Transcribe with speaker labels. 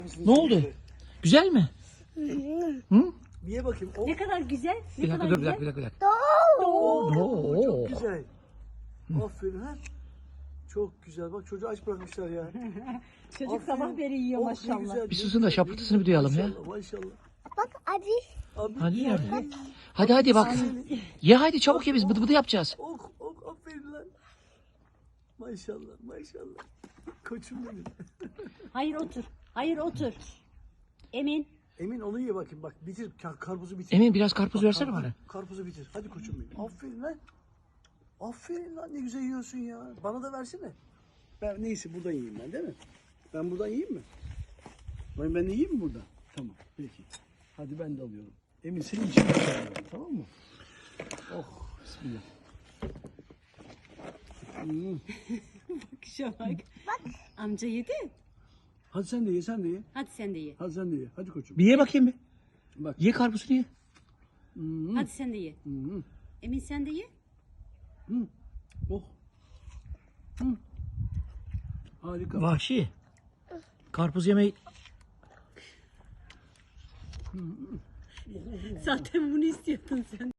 Speaker 1: Ne oldu? Güzel mi? Hı?
Speaker 2: Bir ye bakayım. Oh,
Speaker 3: Ne kadar güzel. Ne
Speaker 1: Bir dakika
Speaker 3: kadar
Speaker 1: dur, bir
Speaker 3: güzel.
Speaker 1: dakika, bir dakika.
Speaker 2: oh, çok
Speaker 1: Oo.
Speaker 2: güzel. Aferin ha. Çok güzel. Bak çocuğu aç bırakmışlar ya.
Speaker 3: Çocuk
Speaker 2: Aferin.
Speaker 3: sabah beri yiyor
Speaker 2: Oh, ne
Speaker 3: maşallah.
Speaker 2: güzel,
Speaker 1: Bir
Speaker 2: ne
Speaker 1: susun da
Speaker 2: güzel,
Speaker 1: şapırtısını
Speaker 2: ne
Speaker 1: bir duyalım
Speaker 2: güzel.
Speaker 1: ya.
Speaker 2: Maşallah, maşallah.
Speaker 4: Bak abi.
Speaker 2: Abi,
Speaker 1: Hadi
Speaker 2: ya,
Speaker 1: ya. Hadi bak. Ye hadi çabuk ye, biz bıdı bıdı yapacağız.
Speaker 2: Oh, oh, aferin lan. Maşallah, maşallah. Koçum benim.
Speaker 3: Hayır otur. Hayır otur. Emin.
Speaker 2: Emin onu ye bakayım. Bak bitir, karpuzu bitir.
Speaker 1: Emin biraz karpuz
Speaker 2: Bak,
Speaker 1: versene bana.
Speaker 2: Karpuzu bitir. Hadi koçum benim. Aferin lan. Aferin lan, ne güzel yiyorsun ya. Bana da versene. Ben neyse buradan yiyeyim ben, değil mi? Ben buradan yiyeyim mi? Ben de yiyeyim mi buradan? Tamam peki. Hadi ben de alıyorum. Emin senin için de alıyorum, tamam mı? Oh bismillah.
Speaker 3: Bakışa bak. Amca yedi.
Speaker 2: Hadi sen de ye, sen de ye.
Speaker 3: Hadi sen de ye.
Speaker 2: Hadi sen de ye. Hadi koçum.
Speaker 1: Bir ye bakayım bir.
Speaker 2: Bak.
Speaker 1: Ye karpuzunu ye.
Speaker 3: Hadi sen de ye.
Speaker 2: Hı.
Speaker 3: Emin sen de ye.
Speaker 2: Oh. Harika.
Speaker 1: Vahşi. Karpuz yemeyi
Speaker 3: Zaten bunu istiyordun sen.